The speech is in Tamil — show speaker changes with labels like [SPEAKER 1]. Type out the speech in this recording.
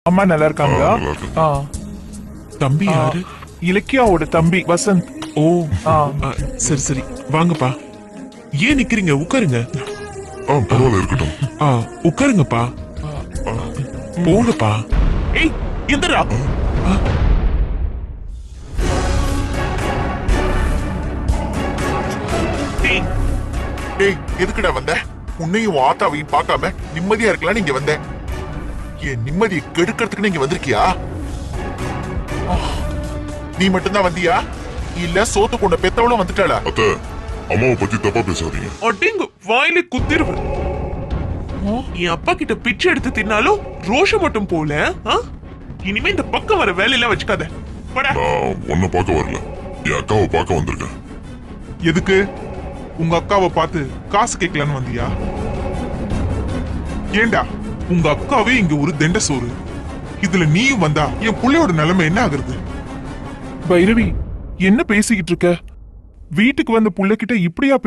[SPEAKER 1] அம்மா நல்லா இருக்காங்களா?
[SPEAKER 2] நல்லா இருக்கு.
[SPEAKER 1] ஆ,
[SPEAKER 3] தம்பி யாரு?
[SPEAKER 1] இலக்கியாவோட தம்பி வசந்த்.
[SPEAKER 3] ஓ
[SPEAKER 1] ஆ.
[SPEAKER 3] சரி சரி வாங்கப்பா. ஏன் நிக்கிறீங்க? உட்காருங்க.
[SPEAKER 2] பரவாயில்ல இருக்கட்டும்.
[SPEAKER 3] உட்காருங்கப்பா. போங்கப்பா. ஏய் எந்திரா.
[SPEAKER 4] டேய் எதுக்குடா வந்த? உன்னையும் ஆத்தாவையும் பார்க்காம நிம்மதியா இருக்கலாம் நீங்க வந்த. என் நிம்மதியை கெடுக்கிறதுக்கு நீங்க வந்திருக்கியா? நீ மட்டும்தான் வந்தியா இல்ல சோத்து கொண்ட பெத்தவளும் வந்துட்டாளா?
[SPEAKER 2] அத்தை, அம்மாவை பத்தி தப்பா பேசாதீங்க.
[SPEAKER 3] அடிங்க வாயில குத்திருவேன். என் அப்பா கிட்ட பிச்சை எடுத்து தின்னாலும் ரோஷம் மட்டும் போல. இனிமே இந்த பக்கம் வர வேலையெல்லாம் வச்சுக்காத. போடா.
[SPEAKER 2] நான் உன்னை பார்க்க வரல, என் அக்காவை பார்க்க வந்திருக்கேன்.
[SPEAKER 4] எதுக்கு? உங்க அக்காவை பார்த்து காசு கேட்கலான்னு வந்தியா? ஏண்டா உங்க அக்காவே இங்க ஒரு தெண்ட சோறு, இதுல நீயும் வந்தா என் புள்ளையோட நிலைமை என்ன ஆகுறது?
[SPEAKER 1] பைரவி, என்ன பேசிக்கிட்டு இருக்க? வீட்டுக்கு வந்த புள்ள கிட்ட இப்படியா